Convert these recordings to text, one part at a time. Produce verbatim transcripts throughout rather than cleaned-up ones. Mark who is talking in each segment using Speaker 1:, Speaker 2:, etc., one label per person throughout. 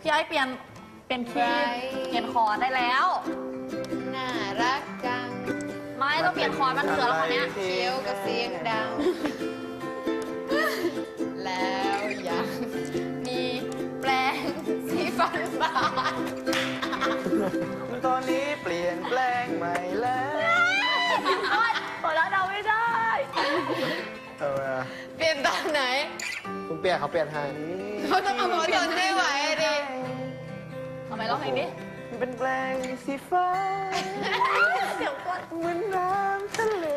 Speaker 1: พี่ไอ้เปลี่ยนเปลี่ยนคีย์เปลี่ยนคอร์ดได้แล้ว
Speaker 2: น่ารักจัง
Speaker 1: ไม่ต้องเปลี่ยนคอร์ดมันเถื่อนแล้วคนเนี้ย
Speaker 2: เคี้ยวกับเสียงดังแล้วยังมีแปลงสีฟันบาน
Speaker 3: ตอนนี้เปลี่ยนแปลงใหม่แล้ว
Speaker 1: พอแล้วเราไม่ได้
Speaker 3: เออ
Speaker 2: เปลี่ยนตอนไหน
Speaker 3: คุณเปลี่ยนเขาเปลี่ยนให้
Speaker 2: เขาต้องเอาหัวจนได้ไหวดิ
Speaker 1: ทำไมร้องเพลงนี้
Speaker 3: เป็นแปลงสีฟ้า
Speaker 1: เสียงก้น
Speaker 3: เหมือนน้ำทะเล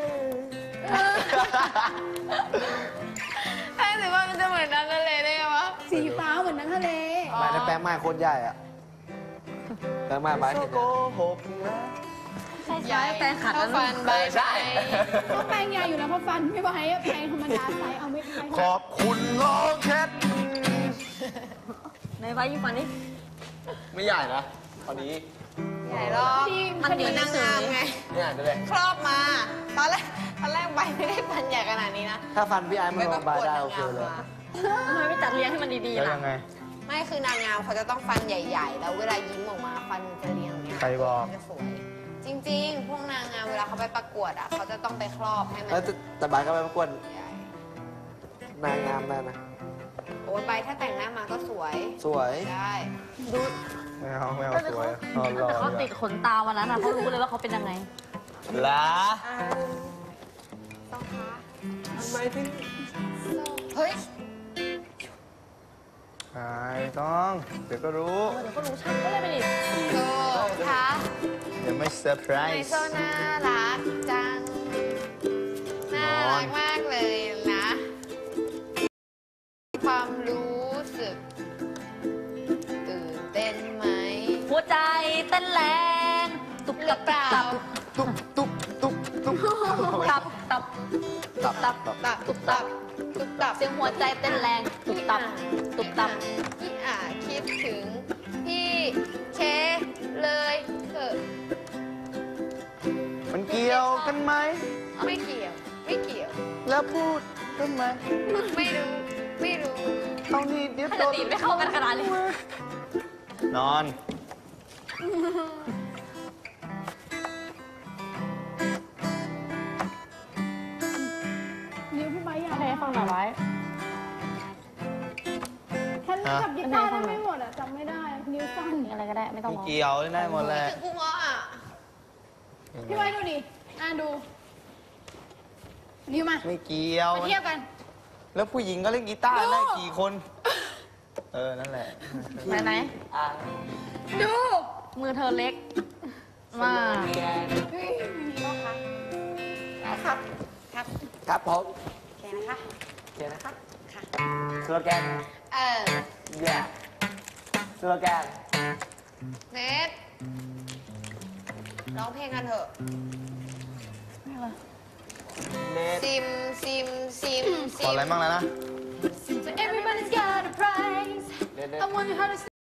Speaker 2: แป้งสีฟ้ามันจะเหมือนน้ำทะเลได้ไงวะ
Speaker 4: สีฟ้าเหมือนน้ำทะเล
Speaker 3: ไม่ได้แปลงไม้โคตรใหญ่อะแปลงไม้ใบเห็นโกหกนะ
Speaker 1: ใหญ่แปลงขัด
Speaker 2: แล้วฟันใบใช่
Speaker 4: ก็แปลงใหญ่อยู่แล้วเพราะฟันไม่ไหวแปลงธรรมดาใส่เอาไม่ได้
Speaker 3: ขอบคุณน้องแคท
Speaker 1: ในไว้ยิ่งฟันนี่
Speaker 3: ไม่ใหญ่นะตอนนี้
Speaker 2: ใหญ่หรอกมันเหมือนนางงามไง
Speaker 3: เนี่ยดูเลย
Speaker 2: ครอบมาตอนแรกตอนแรกใบไม่ได้ฟันใหญ่ขนาดนี้นะ
Speaker 3: ถ้าฟันพี่ไอ้มันลงใบได้โอเคเลย
Speaker 1: ทำไมไม่จัดเลี้ยงให้มันดีๆล่ะ
Speaker 3: ยังไง
Speaker 2: ไม่คือนางงามเขาจะต้องฟันใหญ่ๆแล้วเวลายิ้มออกมาฟันมันจะเรียงเนี่ย
Speaker 3: ใครบอก
Speaker 2: จะสวยจริงๆพวกนางงามเวลาเขาไปประกวดอ่ะเขาจะต้องไปครอบให้มัน
Speaker 3: แต่ใบก็ไปประกวดนางงามได้นะ
Speaker 2: โอ้ใบถ้าแต่งหน้ามาก็สวย
Speaker 3: สวย
Speaker 2: ได้
Speaker 1: ดู
Speaker 3: ไม่เอาไม่เอาสวย
Speaker 1: แต่เขาติดขนตาวันนั้นอ่ะเขารู้เลยว่าเขาเป็นยังไง
Speaker 3: ล่ะ
Speaker 2: ต้องคะ
Speaker 3: ทำไมถึง
Speaker 2: เฮ้ย
Speaker 3: ไอ้ต้องเดี๋ยวก็รู้
Speaker 1: เดี๋ยวก็รู้ช่างก็เลยไปดิ
Speaker 2: โซ่คะ
Speaker 3: เดี๋ยวไม่เซอร์ไพรส์
Speaker 2: ไอโซน่ารักจังน่ารักมากเลยนะความรู้สึกตื่นเต้นไหม
Speaker 1: หัวใจเต้นแรงตุบตับตับ
Speaker 3: ตุ๊บตุ๊บตุ๊บตุ๊บ
Speaker 1: ตับตับ
Speaker 3: ตับตับ
Speaker 2: ตับตุบตับตุบตับ
Speaker 1: เสียงหัวใจเต้นแรงตุบตับตุบตับ
Speaker 2: พี่อาคิดถึงพี่เคเลยเถอะ
Speaker 3: มันเกี่ยวกันไหม
Speaker 2: ไม่เกี่ยวไม่เกี่ยว
Speaker 3: แล้วพูดกันไหม
Speaker 2: ไม่รู้ไม่รู้
Speaker 3: เอานี่เดี๋ยว
Speaker 1: โดนไม่เข้ากันขนาดนี้
Speaker 3: นอน
Speaker 4: นิ้วพี่ใบใหญ่
Speaker 1: อะไรฟังหน่อยไว้
Speaker 4: ฉันจับกีตาร์ได้ไม่หมดอ่ะจำไม่ได้นิ้วสั้น
Speaker 1: อะไรก็ได้ไม่ต้อง
Speaker 3: เกี่ยวได้หมดแหละ
Speaker 2: กูง้ออ่ะ
Speaker 4: พี่ใบดูดิอ่านดูนิ้วมา
Speaker 3: ไม่เกี่ยว
Speaker 4: มาเทียบกัน
Speaker 3: แล้วผู้หญิงก็เล่นกีตาร์ได้กี่คนเออนั่นแหละ
Speaker 1: ไหนไหน
Speaker 4: ดู
Speaker 1: มือเธอเล็กมาก
Speaker 2: พี่มีก็คะครับครับ
Speaker 3: ครับผม
Speaker 2: โอเคนะคะ
Speaker 3: โอเคนะคะ
Speaker 2: ค่ะ
Speaker 3: สโลแกน
Speaker 2: เออ
Speaker 3: yeah สโลแกน
Speaker 2: เนทร้องเพลงกันเถอะซิมซิมซิมซิม
Speaker 3: ขออะไรบ้างแล้วนะ
Speaker 4: So everybody's got a prize I wonder how to